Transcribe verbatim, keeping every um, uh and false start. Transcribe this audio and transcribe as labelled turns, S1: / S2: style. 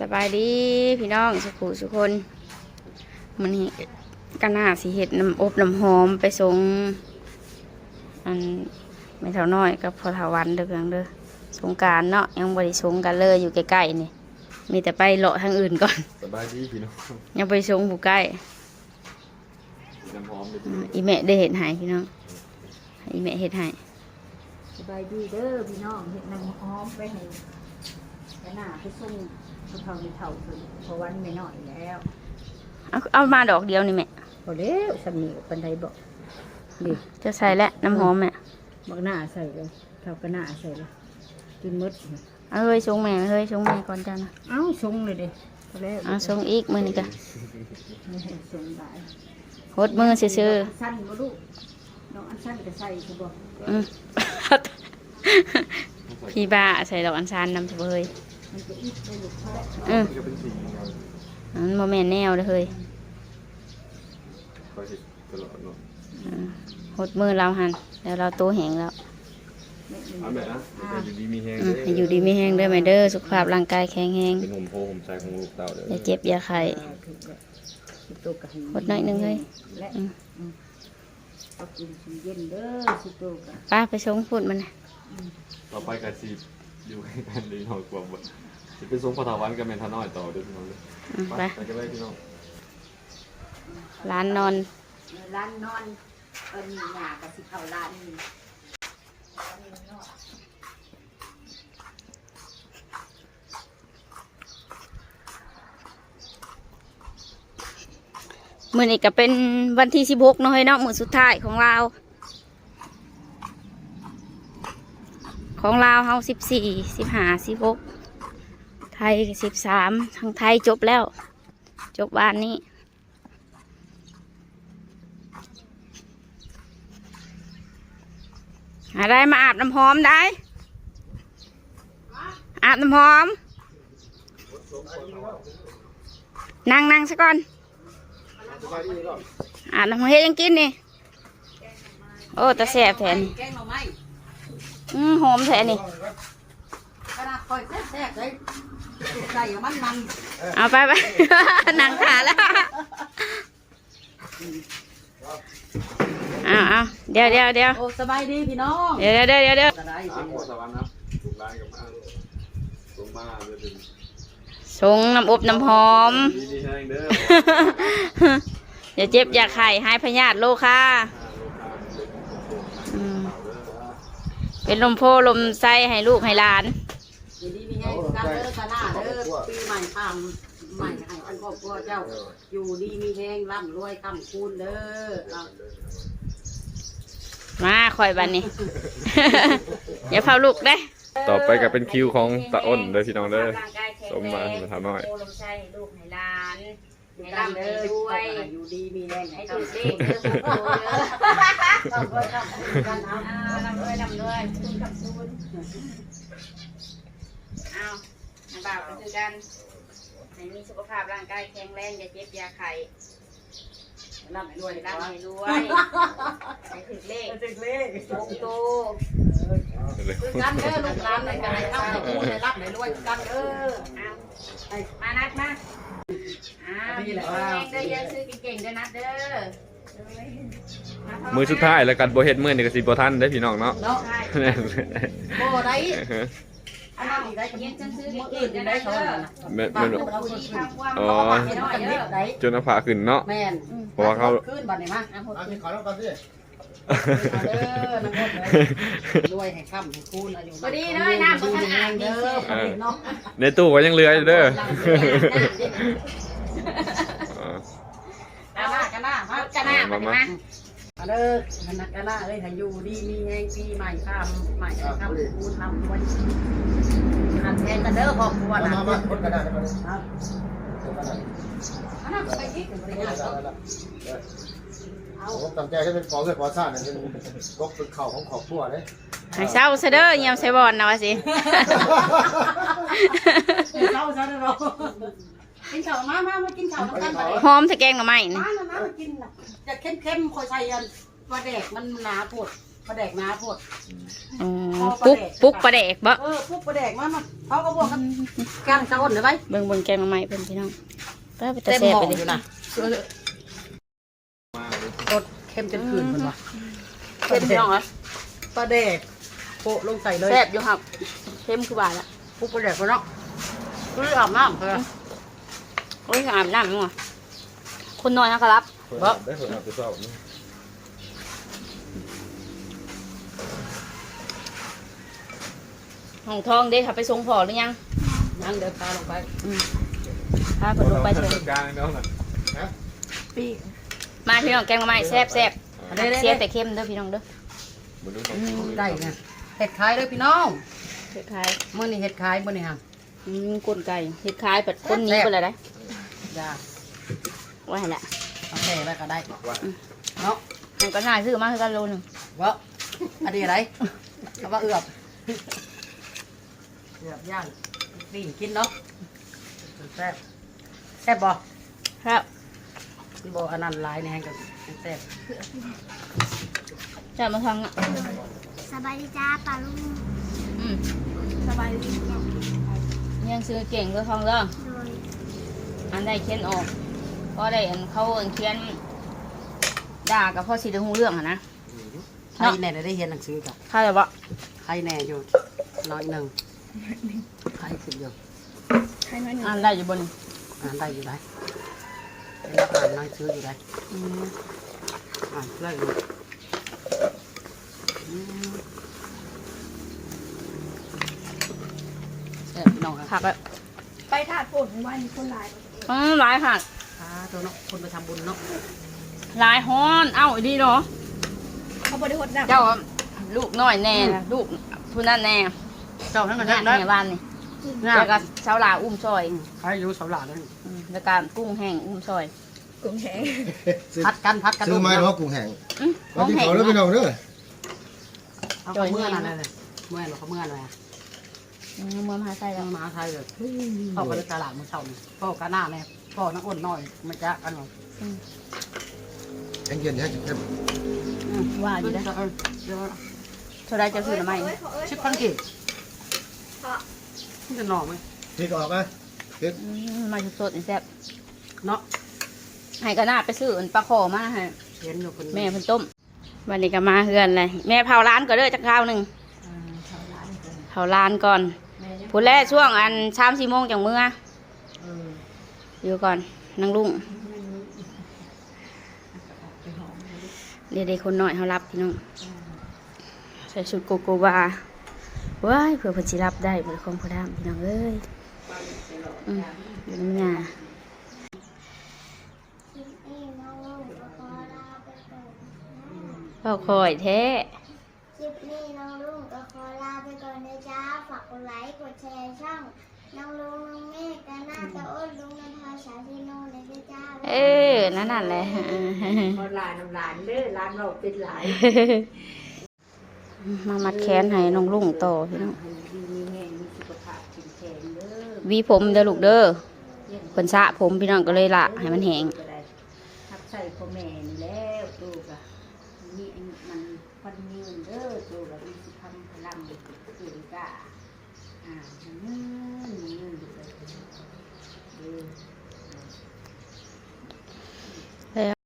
S1: สบายดีพี่น้องสุขุสุคนมันนี่กันหน้าสีเห็ดน้ำอบน้ำหอมไปส่งอันไม่เท่าน้อยกับพอเท่าวันเด้อเพียงเด้อสงกรานต์เนาะยังบริสงกันเลยอยู่ใกล้ๆนี่มีแต่ไปเลาะทางอื่นก่อน
S2: สบายดีพี่น้อง
S1: ยังไปส่งผู้ใกล้
S2: น้ำหอม
S1: อีแม่ได้เห็ดหายพี่น้องอีแม่เห็ดหาย
S3: สบายดีเด้อพี่น้องเห็ดน้ำหอมไปให้ไปหน้าไปส่งเขาเท่าในเท่าถึงเพราะวันไม่น้อยแล้ว
S1: เอาเอามาดอกเดียวนี่แม่
S3: พอแล้วสำนีปันไดบอกดิ
S1: จะใส่แล้วน้ำหอมแม่
S3: บักหน้าใส่เลยเท่ากับหน้าใส่เลยกินมด
S1: เอาเฮ้ยชงแม่เฮ้ยชงแม่ก่อนจ้านะ
S3: เอ้าชงเลยดิพอแล้ว
S1: เอาชงอีกมือนี่กัน
S3: ชงได้
S1: หดมือซื่อ
S3: สั้นบ่ลูกน้องอันสั้นก็ใส่คือบอก
S1: อืมพี่บ้าใส่ดอกอัญชันนำเฉย
S3: มันจะอีกไปลูกเขาแล้ว
S1: อืมมันโมเมนต์แนวเลยเฮ้ยหดมือเราหันแล้วเราตัวแห้งแล้ว
S2: อยู่ดีมีแห้ง
S1: อยู่ดีมีแห้งด้วยไหมเด้อสุขภาพร่างกายแข็งแรง
S2: เป็นห่มโพห่มใจของลูกเต่าเด้อ
S1: อย่าเจ็บอย่าไข้หดหน่อยนึงเลย
S3: เอากินเย็นเด้อสิโตกัน
S1: ป้าไปชงพูดมันนะ
S2: ต่อไปกะสิอยู่ให้กันดีหน่อยกว่าบ่สิไปส่งพอถาวันกับแม่ทาน้อยต่อเด้อพี่น้องเด้อไปไปกันเลยพี่น้อง
S1: ร้านนอน
S3: ร้านนอนเอิ้นหน้าก็สิเข้าร้านนี้
S1: มื้อนี้ก็เป็นวันที่สิบหกเนาะเฮ้ยเนาะมื้อสุดท้ายของเราของลาวเฮาสิบสี่สิบห้าสิบหกไทยสิบสามทางไทยจบแล้วจบวันนี้อะไรมาอาบน้ำหอมได้อาบน้ำหอมนั่งนั่งซะก่อนอาบน้ำหอมเฮ็ดยังกินนี่โอ้ตาแสบแทนอืมหอมแท้นี่เอาไปไปนั่งขาแล้วเอาเอาเดี๋ยวเดี๋ยวเดี๋ยว
S3: สบายดีพี่น้อง
S1: เดี๋ยวเดี๋ยวเดี๋ยวเดี๋ยวชงน้ำอบน้ำหอมอย่าเจ็บอย่าไข้ให้พยาธิโรคาเป็นลมโพลมไส้ให้ลูกให้หลาน
S3: อยู่ดีมีแห้งกันเด้อกะหน้าเด้อปีใหม่ทำใหม่ให้อันครอบครัวเจ้าอยู่ดีมีแห้งร่ำรวยคำคูณเด้อ
S1: มาคอยบันนี้อย่าเผาลูกได้
S2: ต่อไปก็เป็นคิวของตาอ้นเด้อพี่น้องเด้อสมมาทำหน่อย
S1: ลมไส้ให้ลูกให้หลานให้ร่ำให้รวย
S3: อยู่ดีมีแห้ง
S1: ให้ถูกเลขเด้อถูกโตเด้อร่ำรวยร่ำรวยร่ำรวยคุณกับคุณเอาให้บ่าวไปคือกันให้มีสุขภาพร่างกายแข็งแรงอย่าเจ็บอย่าไข้ร่ำให้รวยร่ำให้รวยให้ถูกเลขถูกเลขถูกโตคือกันเด้อลูกหลานในการให้ร่ำให้รวยให้ร่ำให้รวยกันเด้อเอามานัดมาอ้าวเด้อเยอะซื้อเก่งๆเด้อนัดเด้
S2: อมือสุดท้ายแล้วกันโบเฮ็ดมือนี่ก็สิบ่ทันได้พี่น้องเนาะ
S3: เนาะโบได้อันนั้นอีกได้ก็ยังซื้อเก่งๆเด้อนัดเด้อ
S2: แม่นอ๋อจนเอาผ้าขึ้นเนาะ
S3: แม่น
S2: เพราะว่าเขา
S3: ขึ้นบัดนี้มาเอาขึ้นขอแล้วก่อนสิเด้อน้ำมดเลยรวยให้ค่ำให้คูณอายุ
S1: พอดีเลยน้ำบ่ทันอ่างเด้อ
S2: ในตู้ก็ยังเหลืออยู่เด้อ
S3: กันหน้ากันหน้ามา
S1: กันหน้ามามา
S3: เด้อกันหน้ากันหน้าเลยให้อยู่ดีมีแห้งปีใหม่ค่ำใหม่ค่ำคูณทำรวยทำแทนกันเด้อครอบครัวนะมามาคนกันหน้าได้ไหมครับอันนั้นไปที่ถึงบริษัท
S4: ผมตั้งใจให้เป็นของเพื่อขอสร้างเนี่ยเป็นกบเป็นเข่าของขอบครัวเลย
S1: ให้เศร้าซะเด้อเยี่ยมใส่บอลนะวะสิ
S3: เศร้าซะเด้อกินข้าวมามามากินข้าวกัน
S1: หอมใส่แกงหน่อไม้
S3: นี่มามามากินจะเข้มเข้มคอยใส่ยันปลาแดกมันหนาปวดประแดกน้าพด
S2: อืม
S1: อ๋อปุ๊กปุ๊กปลาแดกบ่
S3: เออปุ๊บประแดกมามาเขาก็บอกกันก้างตะอ้นเลยไหม
S1: เบิ่งเบิ่งแกงมาใหม่เพิ่นพี่น้องป้าไปตะ
S3: เต็ม
S1: แซ่
S3: ห
S1: บ
S3: ม้อ
S1: ไป
S3: อยู่
S1: เลย
S3: นะ
S2: มาเลย
S3: รสเค็มจนคืนคนวะ
S1: เค็มพี่น้องเหรอ
S3: ประแดกโปะลงใส่เลย
S1: แซ่บอยู่ครับเค็มคือบาดละ
S3: ปุ๊บประแดกก็เนาะคืออาบน้ำเพื่อ
S1: โอ้ยอาบน้ำมั้งวะคนน้อยนะครับ
S2: บ่ได้คนอาบไปสอบนี่
S1: ห้องทองเด้ค่ะไปส่งพ่อหรือยัง
S3: ยังเดินพาลงไป
S1: พาเพิ่นลงไปเถ
S2: จั
S1: อะ
S2: ดการน้องน่ะ
S1: มาพี่น้องแกงมาใหม่แซ่บแซ่บ
S3: เด้
S1: เสียแต่เค็มเด้อพี่น้องเด้อ
S2: บ่รู้ต้อง
S3: ได้ไงเห็ดขายเลยพี่น้อง
S1: เฮ็ดขาย
S3: มื่อนี้เห็ดขายมื่อนี้ฮะ
S1: อืมกลไก่เฮ็ดขายแบบคนหนี้ไปเลยได้
S3: ยา
S1: ไว้ให้ละ
S3: เอาแค่แล้วก็ได้
S2: ว่า
S3: เนาะ
S1: มันก็น่าซื้อมาคือกันโลหนึง
S3: วะอันนี้อะไรเอาว่าเอือบเอือบย่างนี่กินเนาะแซ่บแซ่บบ่
S1: ครับ
S3: บ่อันนั้นหลายแน่กับแซ่บ
S1: จะมาทางอ่ะ
S5: สบายดีจ้าปลาลุง
S1: อืม
S5: สบายดีโด
S1: ยังซื้อเก่งเด้อทองเด้อย อันได้เขียนออกก็ได้อันเขาอันเขียนด่ากับพ่อสิได้ฮู้เรื่องอ่ะนะ
S3: ใครแน่ได้เรียนหนังสือกับ
S1: เข้าใจบ่
S3: ใครแน่อยู่น้อยหนึ่งใครขึ้นอยู่
S1: อ่านได้อยู่บน
S3: อ่านได้อยู่ได้เป็นนักอ่านหนังสืออยู่ได้
S1: อืม
S3: อ่านได้อยู่อืมแซ่บพี่น้องครับ
S1: ผักแล้ว
S5: ไปถาดฝนวันคนหลาย
S1: อืมหลายค่ะ
S3: อ่าตัวเนาะคนไปทำบุญเนาะ
S1: หลายฮ้อนเอ้าอีดีเนาะ
S5: เขาบริหดดับ
S1: เจ้าอะลูกน้อยแน่นะลูกผู้นั้นแน่
S3: เจ้าทั้งนั้น
S1: แน่
S3: ได้
S1: แน่บ้านนี่
S3: งา
S1: แล้วก็เช้าลาอุ้มซอย
S3: ใครอยู่เสาหลานั่น
S1: อืมแล้วก็กุ้งแห้งอุ้มซอย
S5: กุ้งแห้ง
S3: พัดกันพัดกัน
S4: ซื้อไม้
S3: ลูก
S4: เนาะกุ้งแห้ง
S1: อืม
S4: มากินข้าวแล้วพี่น้องเด้อ
S3: เอาเขาเมื่อนั่นเลยเมื่อเราเขาเมื่ออะไรอ่ะ
S1: อืมเมื่อมาใส่แล้ว
S3: มาไทยเลยเข้าไปในตลาดมือเช่านี่พ่อกะหน้าแน่พ่อนักอ้นน้อยมันจะกันหรอ
S4: แห้งเย็นแห้งเย็น
S1: ว่าอยู่ได้
S3: เออเดี๋ยว
S1: เท่าไรจะซื้อหรือไม่
S3: ชิปพันกี่มันจะหน่อไหม
S4: พริกออกไหมพริก
S1: อืมมาสดๆนี่แซ่บ
S3: เนาะ
S1: ให้ก็น่าไปซื้ออันปลาขอมาให้
S3: เห็นอยู่คน
S1: แม่เพิ่นต้มวันนี้ก็มาเฮือนเลยแม่เผาร้านก็เด้อจักคราวหนึงเผาร้านก่อนพูดแรกช่วงอันสามสี่โมงจังเมื่ออยู่ก่อนนั่งลุงเดี๋ยวๆคนน้อยเขารับพี่น้องใส่ชุดโกโกวาว้ายเผื่อเพิ่นสิรับได้เผื่อของพ่อดามพี่น้องเอ้ยอืมอยู่น้ำยา
S5: คลิปนี้น้องลุงก็ขอลาไปก่อนนะ
S1: เฝ้าคอยแท้
S5: คลิปนี้น้องลุงก็ขอลาไปก่อนนะจ้าฝากกดไลค์กดแชร์ช่องน้องลุงน้องเมฆกันหน้าตะอ้นลุงนันทาสาธิโนเลยนะจ้า
S1: เออนั่นนั่นแหละ
S3: คนหลานน้ำหลานเด้อหลานเราเป็นหลาย
S1: มามัดแขนให้น้องลุงต่อพี่น้อง
S3: มีแห้งมีสุขภาพแข็งแข็งเด้อ
S1: หวีผมเด้อลูกเด้อเพิ่นสระผมพี่น้องก็เลยละให้มันแห้ง
S3: ทักใส่พ่อแม่นี่แล้วตูกะนี่มันพันยืนเด้อตูกะมีสุขภาพพลังเก่งกะอ่ามันยืนยืนอยู่เลยเด้อ